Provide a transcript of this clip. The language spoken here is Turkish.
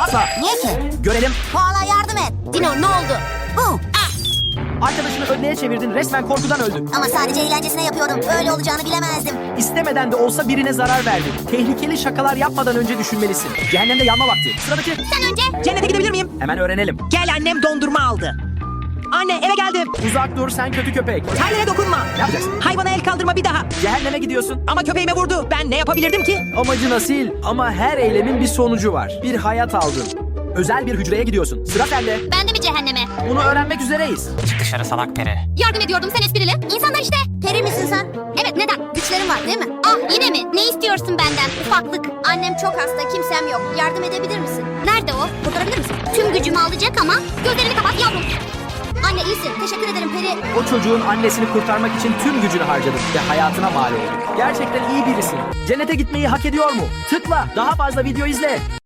Asla. Niye ki? Görelim. Koala yardım et. Dino ne oldu? Bu. Arkadaşını ödleye çevirdin. Resmen korkudan öldü. Ama sadece eğlencesine yapıyordum. Öyle olacağını bilemezdim. İstemeden de olsa birine zarar verdin. Tehlikeli şakalar yapmadan önce düşünmelisin. Cehennemde yanma vakti. Sıradaki. Sen önce. Cennete gidebilir miyim? Hemen öğrenelim. Gel, annem dondurma aldı. Anne, eve geldim. Uzak dur sen kötü köpek. Terlere dokunma. Ne yapacaksın? Hayvana el kaldırma bir daha. Cehenneme gidiyorsun. Ama köpeğime vurdu. Ben ne yapabilirdim ki? Amacın asil ama her eylemin bir sonucu var. Bir hayat aldın. Özel bir hücreye gidiyorsun. Sıra sende. Ben de mi cehenneme? Bunu öğrenmek üzereyiz. Çık dışarı salak peri. Yardım ediyordum sen esprili. İnsanlar işte. Peri misin sen? Evet neden? Güçlerin var değil mi? Ah yine mi? Ne istiyorsun benden? Ufaklık. Annem çok hasta kimsem yok. Yardım edebilir misin? Nerede o? Kurtarabilir misin? Tüm gücümü alacak ama gözlerini kapat yavrum. Anne iyisin. Teşekkür ederim Peri. O çocuğun annesini kurtarmak için tüm gücünü harcadın ve hayatına mal oldun. Gerçekten iyi birisin. Cennete gitmeyi hak ediyor mu? Tıkla. Daha fazla video izle.